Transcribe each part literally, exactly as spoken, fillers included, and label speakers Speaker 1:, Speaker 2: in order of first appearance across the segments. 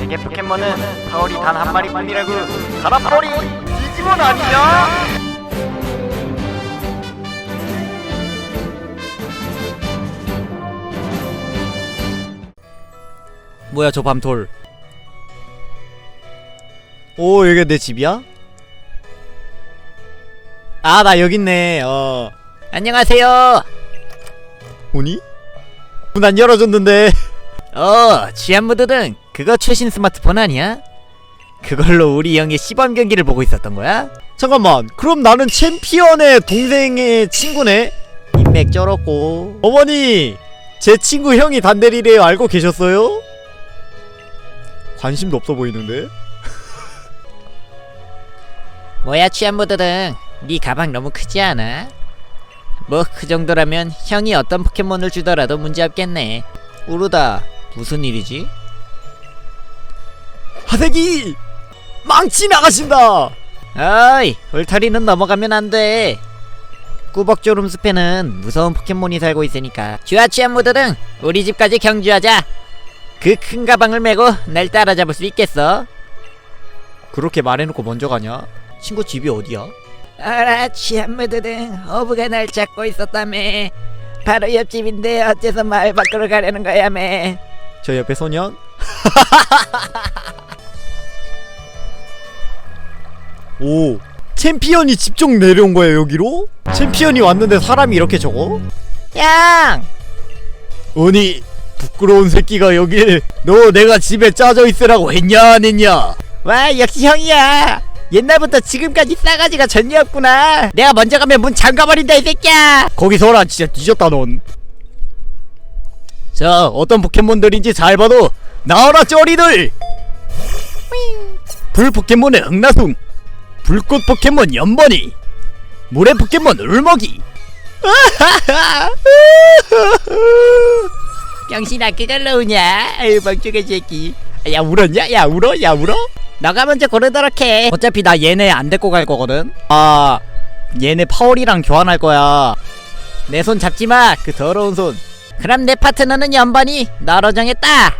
Speaker 1: 세계 포켓몬은 파울이 단 한 마리뿐이라고. 가라 파울이 디지몬 아니냐?
Speaker 2: 뭐야 저 밤톨. 오 여기가 내 집이야? 아 나 여깄네. 어 안녕하세요. 오니? 문 안 열어줬는데. 어 취한무드등 그거 최신 스마트폰 아니야? 그걸로 우리 형의 시범 경기를 보고 있었던 거야? 잠깐만 그럼 나는 챔피언의 동생의 친구네? 인맥 쩔었고. 어머니 제 친구 형이 단대리래요. 알고 계셨어요? 관심도 없어 보이는데? 뭐야 취한무드등 네 가방 너무 크지 않아? 뭐 그 정도라면 형이 어떤 포켓몬을 주더라도 문제없겠네. 우르다 무슨 일이지? 하세기! 망치 나가신다! 어이 울타리는 넘어가면 안돼. 꾸벅조름 숲에는 무서운 포켓몬이 살고 있으니까. 쥐와 취한무드등 우리 집까지 경주하자. 그 큰 가방을 메고 날 따라잡을 수 있겠어? 그렇게 말해놓고 먼저 가냐? 친구 집이 어디야? 알아 취한무드등 어부가 날 찾고 있었다며. 바로 옆집인데 어째서 마을 밖으로 가려는 거야 매. 저 옆에 소년? 오 챔피언이 직접 내려온 거야 여기로? 챔피언이 왔는데 사람이 이렇게 적어? 양! 아니 부끄러운 새끼가 여길. 너 내가 집에 짜져 있으라고 했냐 안 했냐? 와 역시 형이야. 옛날부터 지금까지 싸가지가 전이었구나. 내가 먼저 가면 문 잠가버린다 이 새끼야. 거기 서라 진짜 뒤졌다 넌. 자 어떤 포켓몬들인지 잘 봐도 나와라 쩌리들. 불 포켓몬의 흑나숭, 불꽃 포켓몬 연번이, 물의 포켓몬 울먹이. 병신아 그걸로 우냐? 아유 멍청한 새끼. 야 울었냐? 야 울어? 야 울어? 너가 먼저 고르도록 해. 어차피 나 얘네 안 데리고 갈 거거든. 아 얘네 파월이랑 교환할 거야. 내 손 잡지마 그 더러운 손. 그럼 내 파트너는 연번이 너로 정했다.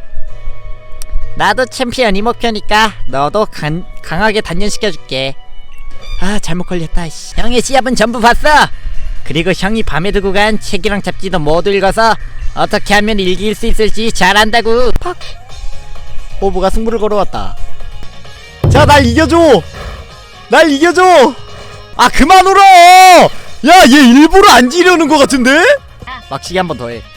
Speaker 2: 나도 챔피언이 목표니까 너도 간, 강하게 단련시켜줄게. 아 잘못 걸렸다 이씨. 형의 시합은 전부 봤어. 그리고 형이 밤에 두고 간 책이랑 잡지도 모두 읽어서 어떻게 하면 이길 수 있을지 잘 안다고. 팍. 호부가 승부를 걸어왔다. 자 날 이겨줘. 날 이겨줘. 아 그만 울어. 야 얘 일부러 안 지려는 것 같은데? 막치기 한 번 더 해.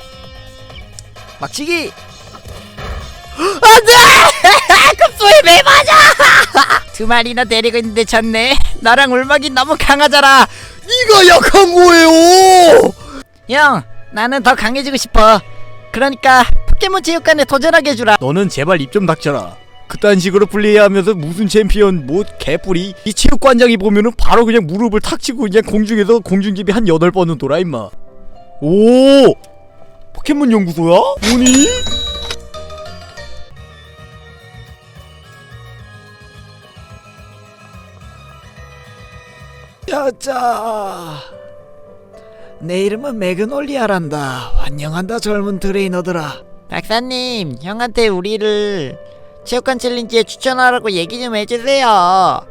Speaker 2: 막치기. 안돼. 급소에 매 맞아. 두 마리나 데리고 있는데 졌네. 나랑 울먹이 너무 강하잖아. 네가 약한 거예요. 형 나는 더 강해지고 싶어. 그러니까 포켓몬 체육관에 도전하게 해주라. 너는 제발 입 좀 닥쳐라. 그딴 식으로 플레이하면서 무슨 챔피언 뭐 개뿔이. 이 체육관장이 보면은 바로 그냥 무릎을 탁 치고 그냥 공중에서 공중집이 한 여덟 번은 돌아 임마. 오 포켓몬 연구소야? 뭐니? 야자 내 이름은 매그놀리아란다. 환영한다 젊은 트레이너들아. 박사님 형한테 우리를 체육관 챌린지에 추천하라고 얘기 좀 해주세요.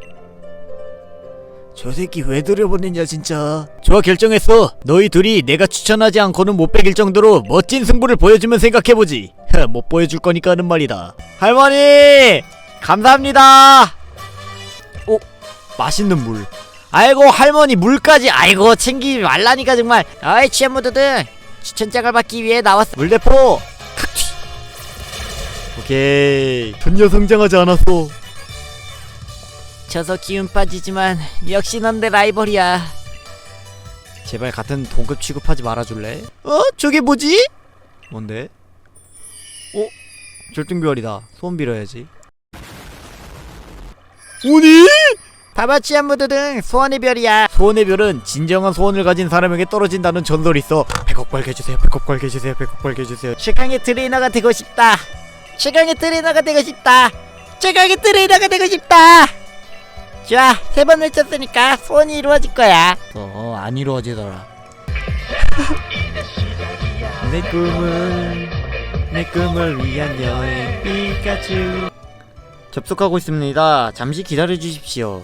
Speaker 2: 저 새끼 왜 들여보냈냐 진짜. 좋아 결정했어. 너희 둘이 내가 추천하지 않고는 못 베길 정도로 멋진 승부를 보여주면 생각해보지. 못 보여줄 거니까 하는 말이다. 할머니 감사합니다. 오 맛있는 물. 아이고 할머니 물까지. 아이고 챙기지 말라니까 정말. 아이 취한무드등 추천장을 받기 위해 나왔어. 물대포. 오케이 전혀 성장하지 않았어. 져서 기운 빠지지만 역시 넌 내 라이벌이야. 제발 같은 동급 취급하지 말아줄래? 어? 저게 뭐지? 뭔데? 어? 절등별이다. 소원 빌어야지. 오니? 봐봐 취한무드등 소원의 별이야. 소원의 별은 진정한 소원을 가진 사람에게 떨어진다는 전설이 있어. 백억 벌게 해주세요. 백억 벌게 해주세요. 백억 벌게 해주세요. 최강의 트레이너가 되고 싶다. 최강의 트레이너가 되고 싶다. 최강의 트레이너가 되고 싶다. 좋아 세 번 외쳤으니까 소원이 이루어질 거야. 어 안 이루어지더라. 내 꿈은 내 꿈을 위한 여행 피카츄. 접속하고 있습니다. 잠시 기다려 주십시오.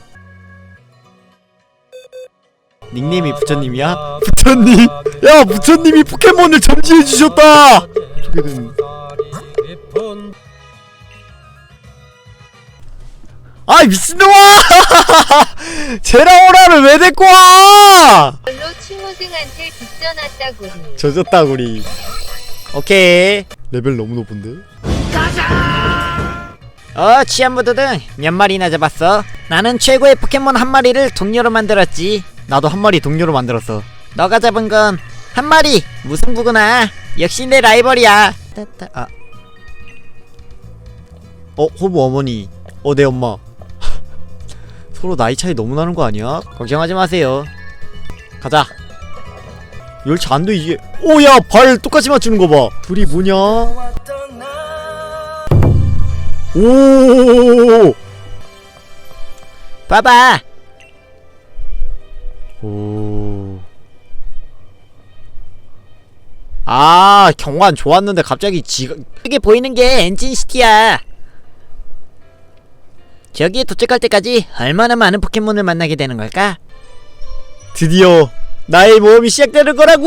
Speaker 2: 닉네임이 부처님이야? 부처님! 야, 부처님이 포켓몬을 점지해 주셨다! 어떻게든 아이 미친놈아! 제라오라를 왜 데리고 와!
Speaker 3: 별로 추모승한테 빚져놨다고.
Speaker 2: 젖었다구리. 오케이. 레벨 너무 높은데? 어, 치안부드등 몇 마리나 잡았어? 나는 최고의 포켓몬 한 마리를 동료로 만들었지. 나도 한 마리 동료로 만들었어. 너가 잡은 건 한 마리 무승부구나. 역시 내 라이벌이야. 따따, 아. 어, 호부 어머니. 어, 내 엄마. 서로 나이 차이 너무 나는 거 아니야? 걱정하지 마세요. 가자. 열차 안 돼, 이게. 오, 야, 발 똑같이 맞추는 거 봐. 둘이 뭐냐? 오! 봐봐. 오. 아, 경관 좋았는데 갑자기 지가 여기 보이는 게 엔진시티야. 저기에 도착할 때까지 얼마나 많은 포켓몬을 만나게 되는 걸까? 드디어 나의 모험이 시작되는 거라고!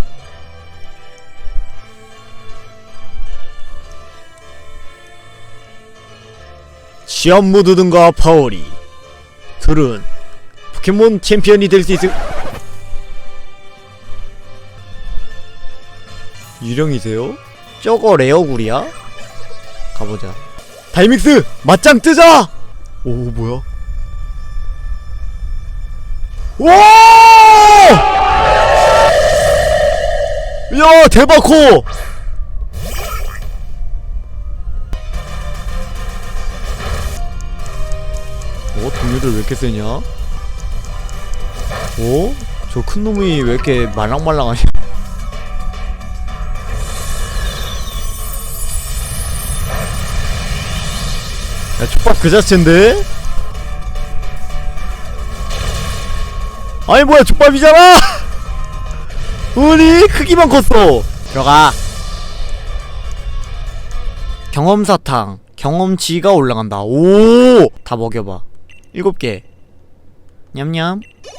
Speaker 2: 시험무드등과 파오리 둘은 포켓몬 챔피언이 될 수 있을... 유령이세요? 저거 레어굴이야? 가보자. 다이믹스! 맞짱 뜨자! 오, 뭐야? 와! 야, 대박코! 어? 동료들 왜 이렇게 세냐? 어? 저 큰 놈이 왜 이렇게 말랑말랑하냐? 야, 촉밥 그 자체인데? 아니 뭐야, 족밥이잖아! 우리 크기만 컸어. 들어가. 경험사탕 경험치가 올라간다. 오! 다 먹여봐. 일곱 개. 냠냠.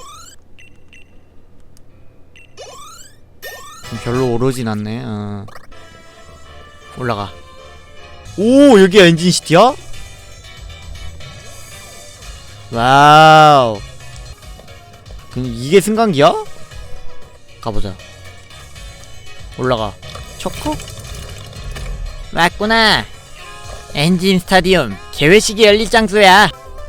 Speaker 2: 별로 오르진 않네. 어. 올라가. 오, 여기가 엔진시티야? 와우. 그럼 이게 승강기야? 가보자. 올라가. 초코? 왔구나. 엔진 스타디움 개회식이 열릴 장소야.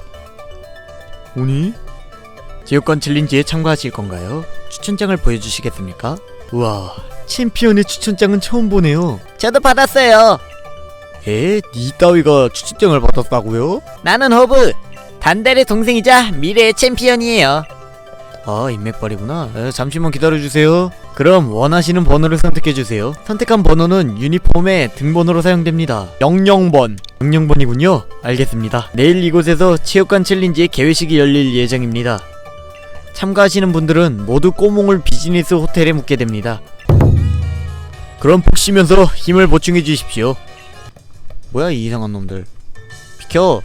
Speaker 2: 오니? 제육관 챌린지에 참가하실 건가요? 추천장을 보여주시겠습니까? 우와, 챔피언의 추천장은 처음 보네요. 저도 받았어요. 에? 니 따위가 추천장을 받았다고요? 나는 호브, 단달의 동생이자 미래의 챔피언이에요. 아, 인맥발이구나. 에, 잠시만 기다려주세요. 그럼 원하시는 번호를 선택해주세요. 선택한 번호는 유니폼의 등번호로 사용됩니다. 영영 번. 영영 번이군요. 알겠습니다. 내일 이곳에서 체육관 챌린지의 개회식이 열릴 예정입니다. 참가하시는 분들은 모두 꼬몽을 비즈니스 호텔에 묵게 됩니다. 그럼 푹 쉬면서 힘을 보충해 주십시오. 뭐야, 이 이상한 놈들. 비켜.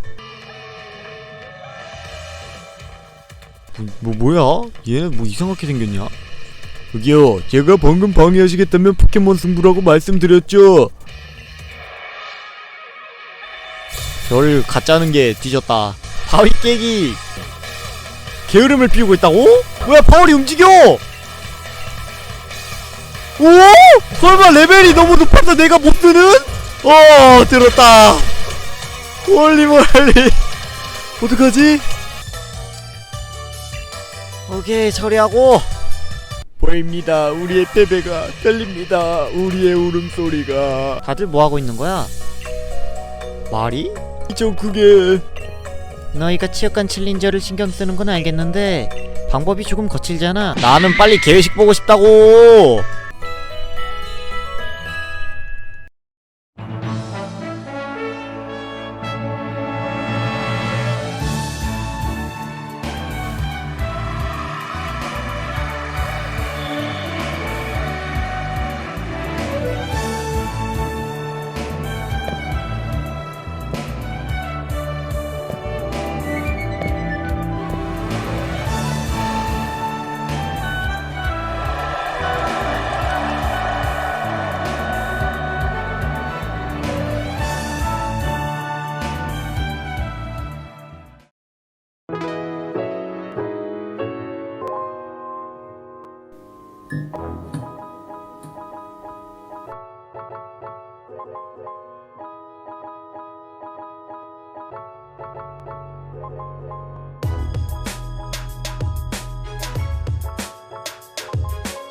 Speaker 2: 뭐, 뭐 뭐야? 얘 뭐 이상하게 생겼냐? 여기요, 제가 방금 방해하시겠다면 포켓몬 승부라고 말씀드렸죠. 별 가짜는 게 뒤졌다. 바위 깨기. 게으름을 피우고 있다고? 뭐야, 파월이 움직여! 오! 설마 레벨이 너무 높아서 내가 못 쓰는? 어, 들었다. 홀리몰리. 어떡하지? 오케이, 처리하고. 보입니다. 우리의 패배가 들립니다. 우리의 울음소리가. 다들 뭐하고 있는 거야? 말이? 좀 크게. 너희가 체육관 챌린저를 신경 쓰는 건 알겠는데 방법이 조금 거칠잖아. 나는 빨리 개회식 보고 싶다고.